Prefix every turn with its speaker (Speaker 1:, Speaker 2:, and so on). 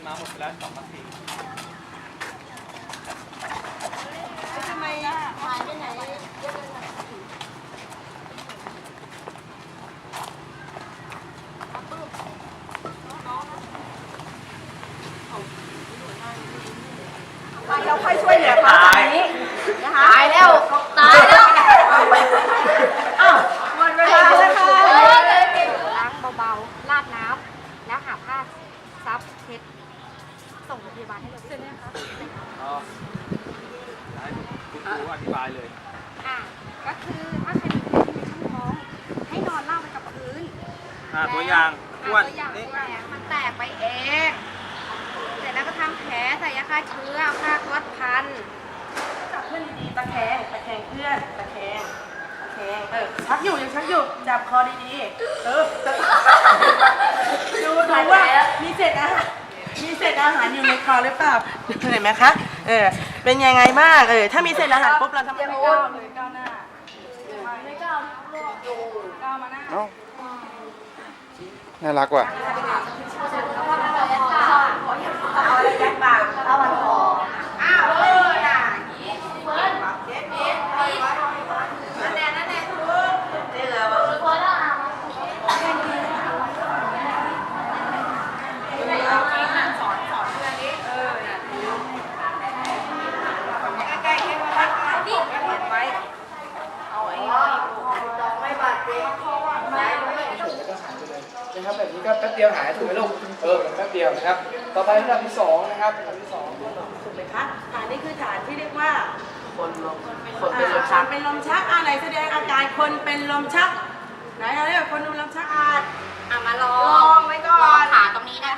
Speaker 1: มาหมดไปแล้ว2 นาที
Speaker 2: ทำไมหายไปไหนเยอะเลยเราค่อยช่วยเหลือเขาตอนนี้นะคะตายแล้วอ้าวหมดเวลาแล้วค่ะ
Speaker 3: ล้างเบาๆราดน้ำแล้วหาผ้าซับเช็ดส่งโรงพยาบาลให้เราด้วยนะคะ
Speaker 1: อ๋อให้คุณครูอธิบายเลย
Speaker 3: ก็คือถ้าใครมีแผลที่ในช่องท้องให้นอนราบไปกับพื้น
Speaker 1: ตัวอย่างอ้วน
Speaker 3: ตัวอย่าง
Speaker 1: นี่
Speaker 3: แผลมันแตกไปเองเสร็จแล้วก็ทำแผลใส่ยาฆ่าเชื้อผ้าก๊อซพัน
Speaker 2: จับเพื่อนดีๆตะแคงเพื่อนตะแคงชักอยู่ยังชักอยู่จับคอดีๆดูว่ามีเศษอาหารอยู่ในคอหรือเปล่าเห็นไหมคะเป็นยังไงบ้างถ้ามีเศษอาหารปุ๊บเราทำไมไม่ก้าวเลยก้าวหน้าไม่ก้าวก้าวมาหน้า
Speaker 4: น่ารักว่ะ
Speaker 2: เอาอะไรยัดปากเอามันคอน่ะอย่างนี้เช็ดนั่นแน่ทุกนี่เหรอเอาจริงนะสอนเพื่อนนี้ใกล้ๆให้มาดิเห็นไว้เอาไอ้ไม่บาดเจ็บไม่
Speaker 4: แล้วก็หายไปเลยนะครับแบบนี้ก็แป๊บเดียวหายถูกไหมลูกแป๊บเดียวนะครับต่อไประดับที่2นะครับระดับที่2
Speaker 2: ถูกไหมคะฐานนี้คือฐานที่เรียกว่า
Speaker 5: คนเป็นลมชัก
Speaker 2: เป็นลมชักไหนแสดงอาการคนเป็นลมชักไหนเราเรียกคนเป็นลมชัก
Speaker 3: มาลอ
Speaker 2: ลองไว้ก่อน
Speaker 3: ขาตรงนี้นะ